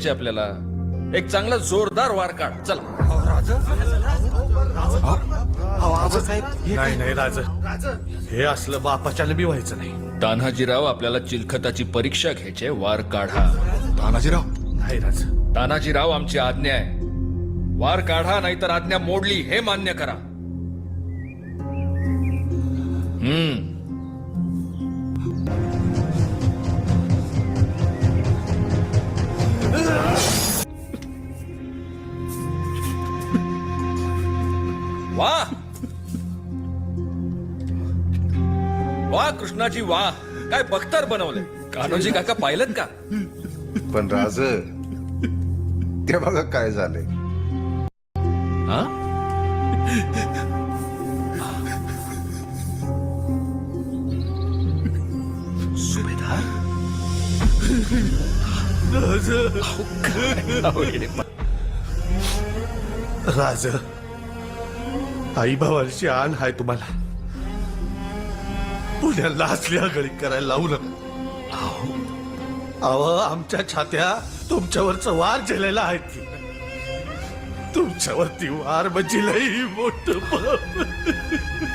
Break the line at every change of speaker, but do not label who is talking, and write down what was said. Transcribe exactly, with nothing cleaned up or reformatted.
घ्यायचे आपल्याला. एक चांगला जोरदार वार काढ. चला.
नाही नाही राज, हे असलं बापाच्यानं बी व्हायचं नाही.
तान्हाजीराव, आपल्याला चिलखताची परीक्षा घ्यायची, वार काढा.
तानाजीराव,
नाही राज.
तानाजीराव, आमची आज्ञा आहे. वार काढा, नाहीतर आज्ञा मोडली हे मान्य करा. हम्म. वाह वाह कृष्णाजी, वाह. काय बख्तर बनवले. कान्होजी काका पाहिलं का?
पण राज, ते बघा काय झालंय.
हा? सुभेदार.
राज, आई भावाची आण हाय तुम्हाला. पुण्याला असली आगळी करायला लावू नका. अहो, आमच्या छात्या तुमच्यावरचं वार झेलेला आहेत की. तुमच्यावरती वार म्हणजे लई मोठं पाप.